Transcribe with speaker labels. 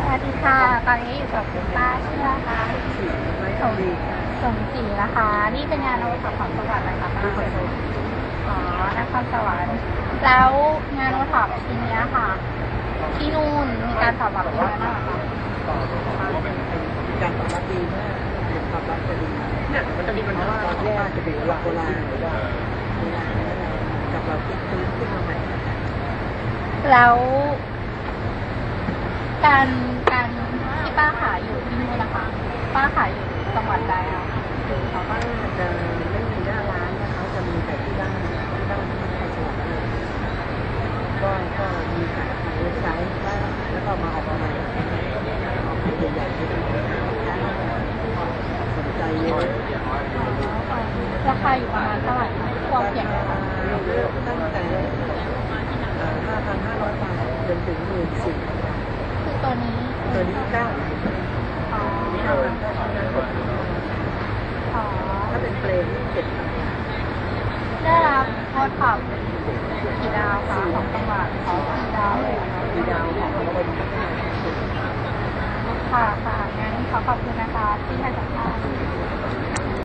Speaker 1: วัสดีค่ะ ตอนนี้อยู่กับคุณป้าชื่ออะไรคะสมศรีนะคะ นี่เป็นงานโอท็อปของจังหวัดอะไรคะป้าอ๋อนครสวรรค์แล้วงานโอท็อปทีนี้ค่ะที่นู่นมีการตอบรับยังไงบ้างคะ
Speaker 2: การตอบรับดีมากตอบรับจะดีเนี่ยมันจะมีปัญหาตอนแรกจะเป็นหลักโบราณหรือว่ากับเราคิดฟื้นขึ้นมาใหม่
Speaker 1: แล้วการที่ป้าขายอยู่ที่นู่นนะคะป้าขายอยู่จังหวัดใดคะ
Speaker 2: เขาก็จะไม่มีหน้าร้านนะเขาจะมีแต่ที่บ้านที่ในจังหวัดเลยก็มีขายเว็บไซต์แล้วก็มาออกมาใหม่ออกมาใหญ่ๆที่สนใจเยอะ
Speaker 1: ราคาอยู่ประมาณเท่าไหร่คะความเสี่ยงนะคะ
Speaker 2: ตั้งแต่5,500 บาทจนถึง14,000
Speaker 1: คือตัวนี้
Speaker 2: 9,000ถ้าเป็นเฟรม
Speaker 1: ได้รับโค้ดขอบกี่ดาวคะของจังหวัด4 ดาวเลย
Speaker 2: 4 ดาวของเราเป็น
Speaker 1: ค่ะงั้นขอขอบคุณนะคะที่ให้สัมภาษณ์